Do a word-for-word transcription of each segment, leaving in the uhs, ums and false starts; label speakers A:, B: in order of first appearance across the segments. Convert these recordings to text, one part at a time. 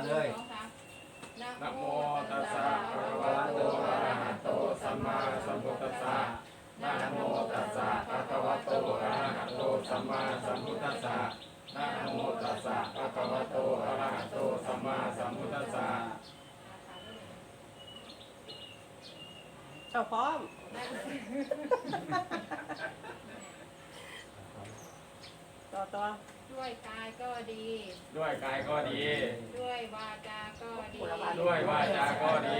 A: เลยนะโมตัสสะภะคะวะโตอะระหะโตสัมมาสัมพุทธัสสะนะโมตัสสะภะคะวะโตอะระหะโตสัมมาสัมพุทธัสสะนะโมตัสสะภะคะวะโตอะระหะโตสัมมาสัมพุทธัสสะ
B: เจ้าพร้อมต่อต่อ
C: ด้วยกายก็ดี
A: ด้วยกายก็ดี
C: ด้วยวาจาก็ดี
A: ด้วยวาจาก็ดี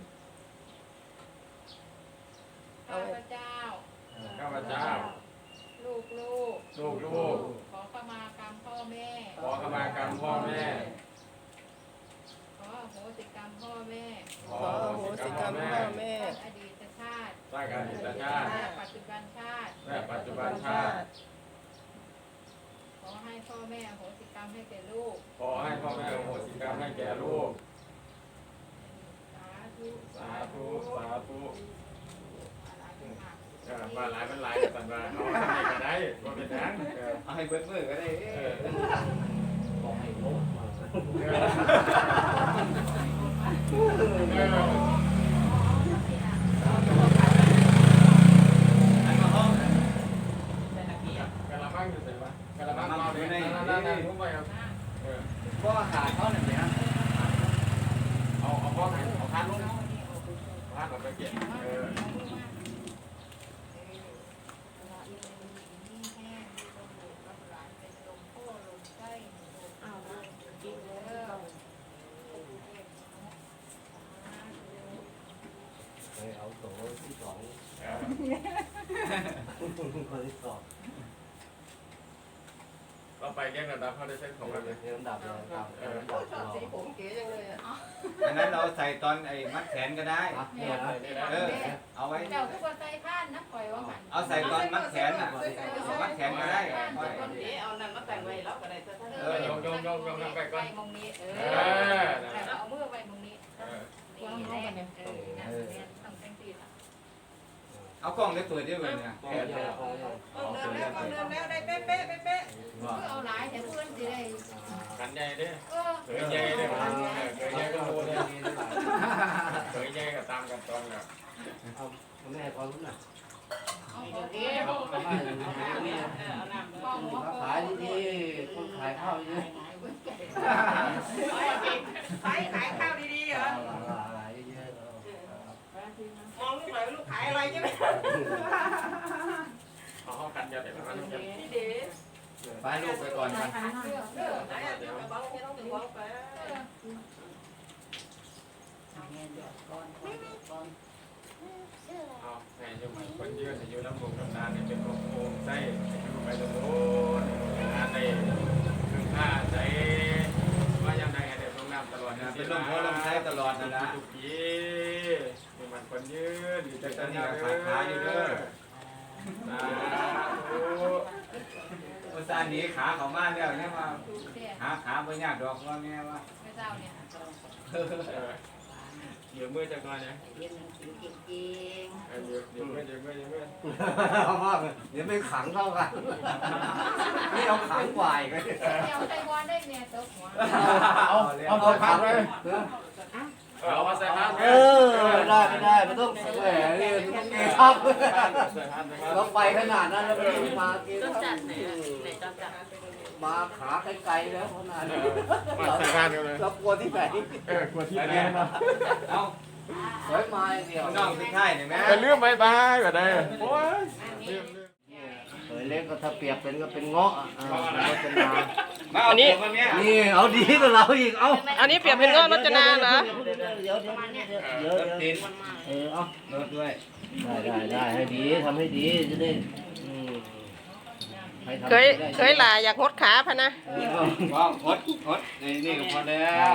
C: ข้าพเจ้า
A: ข้าพเจ้า
C: ลูกลูก
A: ลูกลูก
C: ขอขมากรรมพ่อแม่
A: ขอขมากรรมพ่อแม่
C: ขออโหสิกรรมพ่อแม่
A: ขออโหสิกรรมพ่อแม่
C: อดีตชาติ
A: สร้างอดีตชาติ
C: และปัจจุบันชาติ
A: และปัจจุบันชาติ
C: ขอให้พ่อแม่อโหสิกรรมให้แก่ลูก
A: ขอให้พ่อแม่อโหสิกรรมให้แก่ลูก
C: สาธุ
A: สาธุ สาธุ
C: อะไรขึ้นมา
A: เออมาหลายมันหลายแต่ว่าเอาทำไมก็ได้ก็เป็นนั้นเออ
D: เอาให้เบิดมือก็ได้
A: เออ
D: บอกให้โลกมา
A: เออเออ
D: อันมาห้อง
A: กะละมังอยู่ไหนวะกะละมังเอาอยู่ในนั่นนั่นนั่นทุกไปครับเออ
D: ก็ขาดเขาหนึ่งเดียว
A: เอาเอาพ่อไหนเอาทานลูกทานออกไปเก็บเออ
D: เอาโต๊ะที่สอง
A: เออ
D: คนที่สอง
A: เราไปแก้ระดับเขาได้เส้นของกันเลย
D: เรียนดับเลยครับ
A: เออ
B: ชอบสีผมเก๋จังเลยอ่ะ
D: อันนั้นเราใส่ตอนไอ้มัดแขนก็ได้
A: เนี่ยนะเนี่ยนะ
D: เออ เอาไว้
C: เจ้าทุกคนใจท่านนะปล่อยว่าหัน
D: เอาใส่ตอนมัดแขนอ่ะมัดแขนก็ได้
B: เอานั่นมาแต่งไว้แล้วก็ได้แต่ท่าน
A: เออยงยงยงยงยงไปก่อน
C: มงนี้เอ
A: เอ
C: อ
A: อนะ
C: เอามือไปมงนี้
A: เออ
C: นี่แหละเออนะต้องแต่งตีละ
D: เอากล้องได้เปิดด้วยเนี่ย
B: เดินแล้วเดินแล้วได้เป๊ะเป๊ะเป๊ะเป๊ะ
C: เพื่อเอาหลายแต่เพื่อนสิได้
A: กันใหญ่เด้
C: เออ
A: เคยใหญ่เด้เคยใหญ่ก็โตเด้เคยใหญ่ก็ตามกันตอนแล้ว
D: เอาแม่ความรู้น่ะ
C: เอาโอเคเอา
D: ขายดีๆคนขายข้าวเยอะ
B: ขายขายข้าวดีๆเหรอ
D: ขายเยอะ
B: มองลูกหน่อยลูกขายอะไรใช่ไหม
A: เอาห้องกันเดียวเดี๋ยวมันจะ
B: พี่เด๋
D: ไปลูกไปก่อนไป
C: เพื่อเพื่อ
B: ไหนอ่ะเดี๋ยวไปบ้างไม่ต้องถึงบ้างไป
A: เอาแม่อยู่มันคนยืนอยู่น้ำลงน้ำตาเนี่ยเป็นโอ่งไส้อยู่ไปตรงโน้นงานในถึงผ้าใจว่ายังไงเดี๋ยวลงน้ำตลอดนะ
D: เป็นลมหัวลมท้ายตลอดนะนะ
A: ทุกทีนี่มันคนยืนอยู่ใจ
D: ต
A: ต
D: อ
A: อน น
D: นี้
A: นี้
D: ก็ขาดขาอยู่เด้อ
A: สาธุ
D: ภาษาหนีขาเขามาแล้วเนี่ยมา
C: เสีย
D: หาขาบ่ยากดอกว่าแม่ว่า
C: ไม่เจ้าเนี่ย
A: เดี๋ยวมือจะก่อนนะ
C: เรียนหนังสือเก่ง
A: เดี๋ยวเดี๋ยวมือเดี๋ยวมือเดี๋ยวมือ
D: เอาว่าเดี๋ยวไม่ขังเท่ากันนี่เอาขังกว่าอีกเลย
C: ๆเดี๋ยวไต้หวันได้เนี่ยตกหัว
D: เอาเอาเอาพักเลย
A: เอามาใส่ผ้า
D: เออไม่ได้ไม่ได้มันต้องแหมนี่มันต้องเกทับ
A: ใส่ผ้าใส่ผ้า
D: ต้องไปขนาดนั้นแล้วไม่ได้มาเก
B: ต้อง
D: ทั
B: จั
D: บ
B: ดไหนอ่ะไหนต้องจัด
D: มาขาไกลๆแล้วขนาดนี้
A: มาใส่ผ้ากันเลย
D: เรากลัวที่ไหน
A: เออกลัวที่ไหนนะ
D: เอาสวยมาเดียวน้องคือไทยเห็นไหม
A: เป็นเรื่องบายบายแบบนี้โอ้ยลืมลืม
D: เฮ้ยเล็กก็ถ้าเปรียบเป็นก็เป็นเงาะอ่ะรจนา
A: มาเอาตัวมาเนี้ย
D: นี่เอาดีกว่าเราอีก เอา
B: อันนี้เปรียบเป็นเงาะรจนาเหรอ
D: เดี๋ยวเดี๋ยวเดี๋ยวเดี๋ยวเดี๋ยวเออเอาลดด้วย ได้ได้ได้ให้ดีทำให้ดีจะได้อืมให้ทำ
B: เคย
D: ได้
B: เคยหลาอยากหดขาพะนะ
D: เออว้าวฮดฮดนี่นี่ก็พอแล้ว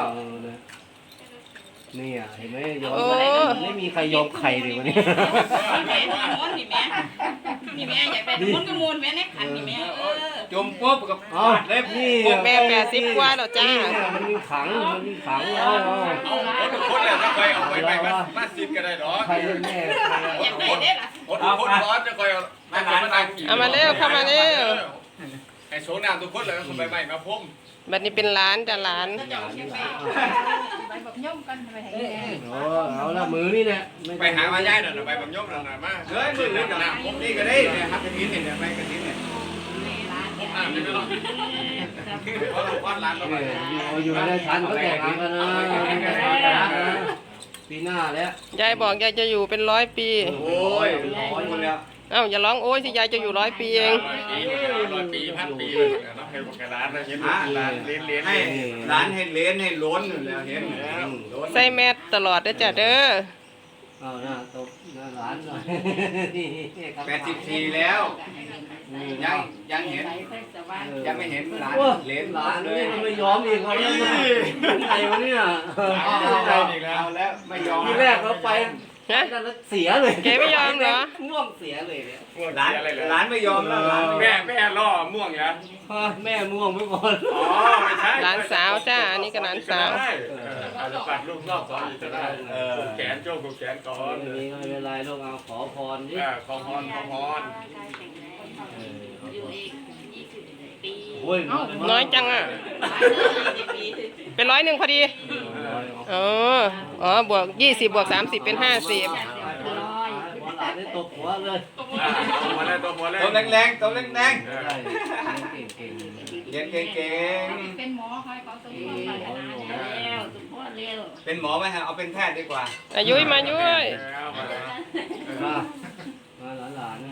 D: นี่อ่ะเห็นไหมยอมไม่มีใครยอมใครเลยวันนี้
E: นี่แม่ม้วนนี่แม่นี่แม่อยากได้ม้วนก็ม้วนแม่ในขันนี่แม่เออ
D: จมปุ๊บกับเอาเล็บนี่
B: แม่แปดสิบกว่าแล้วจ้า
D: มันมีขังมันมีขังเอาเอา
A: เอาทุกคนเลยจะคอยเอาไปไปมามาซิดก็ได้หรอ
D: ใครเป็นแม่
E: อยากได้เด้ล่ะ
A: คนคนร้อนจะคอยเอามา
B: เอามาเร็วเข้ามาเร็ว
A: ใครให้โชว์น้ำทุกคนเลยคนใบใหม่มาพุ่ม
F: บัดนี้เป็นร้านจ้ะร้าน
E: เจ้าเชียงแม่
C: ไปแบบย่อมกันไปให้แม่
D: โอ้เอาละมือนี่แหละ
A: ไปหามาย้ายหน่อยไปแบบยกหน่อยมาเฮ้ยมือเล็กกับน้ำผมนี่ก็ได้เนี่ยฮักกระถิ่นเนี่ยไปกระถิ่นเนี่ยผมอ่านได้ไหมล่ะเพราะเราวาดร้านเราไป
D: อยู่อยู่ในทันก็แตกกันนะปีหน้าแล้ว
F: ยายบอกยายจะอยู่เป็นร้อยปี
A: โอ้ยร้อยคนแล้ว
F: เอ้าอย่าร้องโอ้ยสิยายจะอยู่ร้อยปีเอง
A: ร้อยปีร้อยปีพันปีเลยนะให้บอกร้านนะเห็นร้านเลี้ยนเลี้ยนให้ร้านให้เลี้ยนให้ล้นอยู่แล้วเห็นแล้ว
F: ใส่แมสตลอดเด้อจ้ะเด้อ
D: เอาหน้าตกหน้าหลานหน่อย
A: แปดสิบสี่แล้วยังยังเห็นยังไม่เห็นร้านเลี้ยน
D: หลา
A: ร้าน น
D: เล
A: เลย ย
D: มันไม่ยอมอีกเขาแล้วไงวะเนี่ย
A: เอาอีกแล้วแล้วไม่ยอม
D: ทีแรกเราไป
F: ฮะ
D: นั่นแล้วเสียเลย
F: แกไม่ยอมเหรอ
D: ง่วงเสียเลยเนี่ย
A: ร้านร้านไม่ยอมแล้วร้านแม่แม่ล่อม่วงเหรอ
D: แม่ม่วงไปก่อน
A: อ๋อไม่ใช่
F: หลานสาวจ้าอันนี้ก็หลานสาว
A: อาจจะปัดลูกรอบสองอีกก็ได้แขนโจ้กูแขนก่อน
D: ไม่มีไม่เป็นไรลูกเอาขอพรดิ
A: ขอพรขอพร
E: อยู่อีกยี่สิบปี
D: โอ้ย
F: น้อยจังอ่ะ
E: ยี่สิบปี
F: เป็นร้อยหนึ่งพอดีอ๋ออ๋อบวกยี่สิบบวกสามสิบเป็นห้าสิบ
D: หัวหลานได้ตบหัวเลย
A: ตัวหัวเลยตัวหัวเลยตัวแรงๆตัวแรง
D: ใช่เก่งเก่ง
A: ๆเก่งเก่ง
C: เป็นหมอคอยเขาสมบูรณ์
E: แล้วทุกคนเร็ว
A: เป็นหมอไหมฮะเอาเป็นแพทย์ดีกว่า
F: อายุยมายุย
D: มามาหลานหลานเนี่ย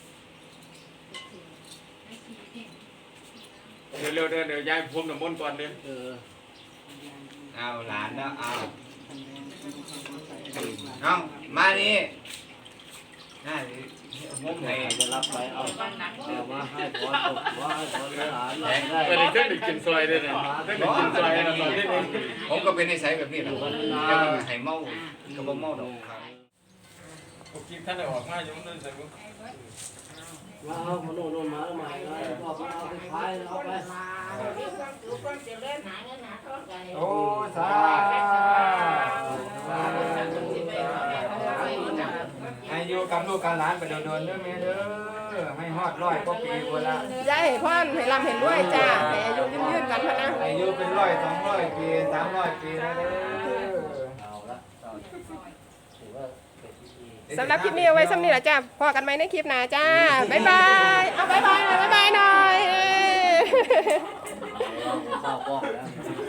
A: เดี๋ยวเร็วเดี๋ยวเดี๋ยวยายพุ่มน้ำมนต์ก่อนเดี๋ยว
D: เออ
A: เอาหลานแล้วเอาเอามานี่น่ามุมไหน
D: จะรับไปเอาเอามาให้พรตบหัวให้พรหลานได้
A: เออเส้นกินซอยด้วยนะเส้นกินซอยนะตอนนี้ผมก็เป็นนิสัยแบบนี้แหละจะไม่ให้เมาก็บ่เมาดอกผมกินท่านได้ออกมาอยู่นั่นแต่
D: มาเอามาโน่นโน่นมาแล้วมาแล้วก็มาเอาไปขายเอาไป
A: โอ้สาให้อยู่กับลูกกับหลานไปโดนๆเด้อแม่เด้อให้ฮอดร้อยกว่าปีพุ่นละ
F: ยายให้พ่อนให้ร่ำเห็นด้วยจ้าให้อายุยืนๆกันพะนะ
A: อายุเป็นร้อยสองร้อยปีสามร้อยปีนะเด้อ
D: เอาละถือว่าเป็นพิธี
F: สำหรับคลิปนี้เอาไว้สำนี้แหละจ้าพอกันไหมในคลิปหน้าจ้าบ๊ายบายเอาบ๊ายบายหน่อยบ๊ายบายหน่อย
D: เราเข้าป้องแล้ว